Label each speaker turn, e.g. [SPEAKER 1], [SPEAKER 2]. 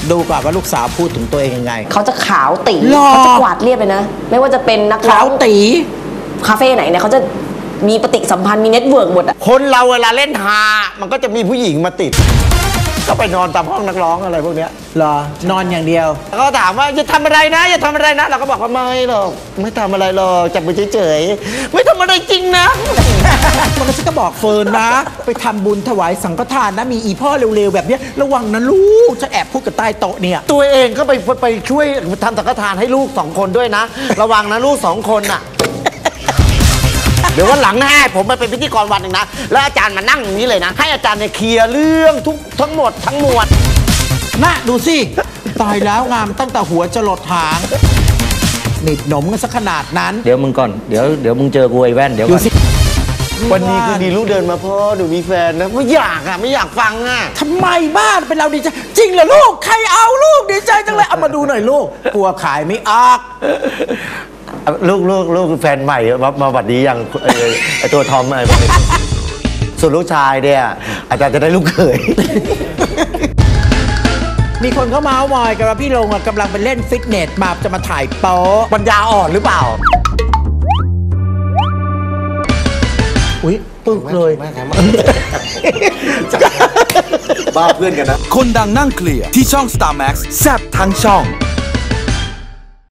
[SPEAKER 1] ดูก่อนว่าลูกสาวพูดถึงตัวเองยังไง
[SPEAKER 2] เขาจะขาวตีเขาจะกวาดเรียบเลยนะไม่ว่าจะเป็นนักร้องขาว
[SPEAKER 1] ตี
[SPEAKER 2] คาเฟ่ไหนเนี่ยเขาจะมีปฏิสัมพันธ์มีเน็ตเวิร์กหมดอะ
[SPEAKER 3] คนเราเวลาเล่นฮามันก็จะมีผู้หญิงมาติดก็ไปนอนตามห้องนักร้องอะไรพวกเนี้ย
[SPEAKER 1] เหรอนอนอย่างเดียว
[SPEAKER 3] ก็ถามว่าจะทำอะไรนะอย่าทำอะไรนะเราก็บอกว่าไม่หรอกไม่ทำอะไรหรอกจับมือเฉยๆไม่ทำอะไรจริงนะ
[SPEAKER 1] มันก็ฉันก็บอกเฟิร์นนะไปทำบุญถวายสังฆทานนะมีอีพ่อเร็วๆแบบนี้ระวังนะลูกจะแอบพูดกับใต้โต๊ะเนี่ย
[SPEAKER 3] ตัวเองก็ไปช่วยทำสังฆทานให้ลูก2 คนด้วยนะระวังนะลูก2 คนน่ะเดี๋ยววันหลังให้ผมไปเป็นพิธีกรวันหนึ่งนะแล้วอาจารย์มานั่งอย่างนี้เลยนะให้อาจารย์เนี่ยเคลียร์เรื่องทั้งหมดทั้งมวล
[SPEAKER 1] น่ะดูสิตายแล้วงามตั้งแต่หัวจรดหางหนีบหนมกันสักขนาดนั้น
[SPEAKER 3] เดี๋ยวมึงก่อนเดี๋ยวมึงเจอกูไอ้แว่นเดี๋ยวก่อนวันนี้คือดีลูกเดินมาพ่อหนูมีแฟนนะไม่อยากฟังอ่ะ
[SPEAKER 1] ทำไมบ้านเป็นเราดีใจจริงเหรอลูกใครเอาลูกดีใจจังเลยเอามาดูหน่อยลูกกลัวขายไม่ออก
[SPEAKER 3] ลูกแฟนใหม่มาบัดนี้ยังไอตัวทอมอะไรส่วนลูกชายเนี่ยอาจารย์จะได้ลูกเขย
[SPEAKER 1] มีคนเขาเมาส์มอยกันว่าพี่ลงกำลังไปเล่นฟิตเนสมาจะมาถ่ายโป๊
[SPEAKER 3] ปัญญาอ่อนหรือเปล่า
[SPEAKER 1] อุ๊ยปึ๊กเลย
[SPEAKER 4] บ้าเพื่อนกันนะคนดังนั่งเคลียร์ที่ช่อง Star Max แซ่บทั้งช่อง